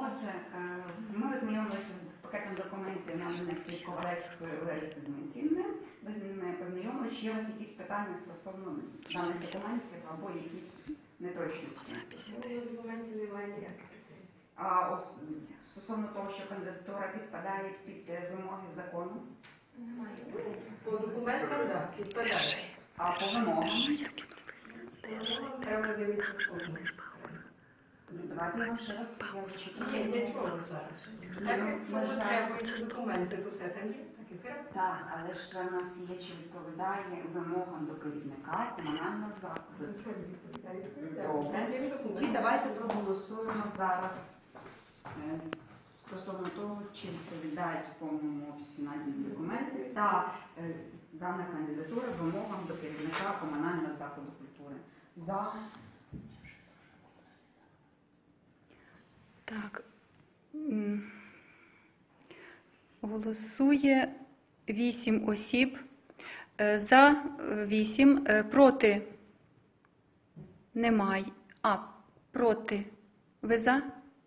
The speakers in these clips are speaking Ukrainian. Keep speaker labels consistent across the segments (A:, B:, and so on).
A: Отже, ми ознайомилися з пакетом документів наданих Ковалевської Лариси Дмитрівни. Ви з ними познайомилися. Чи є у вас якісь питання стосовно даних документів або якісь неточності?
B: Документів немає ніяких.
A: Стосовно того, що кандидатура підпадає під вимоги закону?
B: Немає. По документам, так, підпадає.
A: А по вимогам?
B: Треба дивитися в кожному.
A: Давайте я вам ще раз зачитаю.
B: Ні, нічого зараз. Так, якщо треба документи, то все там є, так і треба.
A: Так, але ж в нас є, чи відповідає вимогам до керівника комунального закладу.
B: Нічого не відповідає.
A: Добре. Тоді давайте проголосуємо зараз стосовно того, чи відповідають в повному обсязі надані документи та дана кандидатура вимогам до керівника комунального закладу культури. За.
C: Так. Голосує 8 осіб. За 8, проти немає. Проти. Ви за?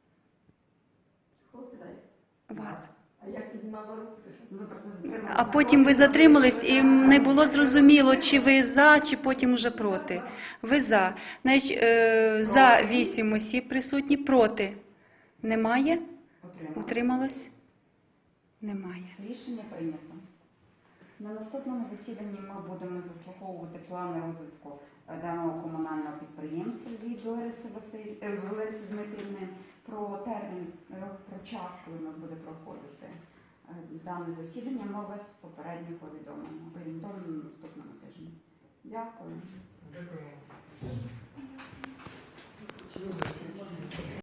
C: Вас.
B: А як піднімала руку, то що?
A: Ви просто затрималися.
C: А потім ви затримались і не було зрозуміло, чи ви за, чи потім уже проти. Ви за. Значить, за 8 осіб присутні, проти немає. Утрималось? Немає.
A: Рішення прийнято. На наступному засіданні ми будемо заслуховувати плани розвитку даного комунального підприємства від Лариси Дмитрівни про термін, про час, коли у нас буде проходити дане засідання. Ми вас попередньо повідомимо. Орієнтовно на наступному тижні. Дякую.
D: Дякую.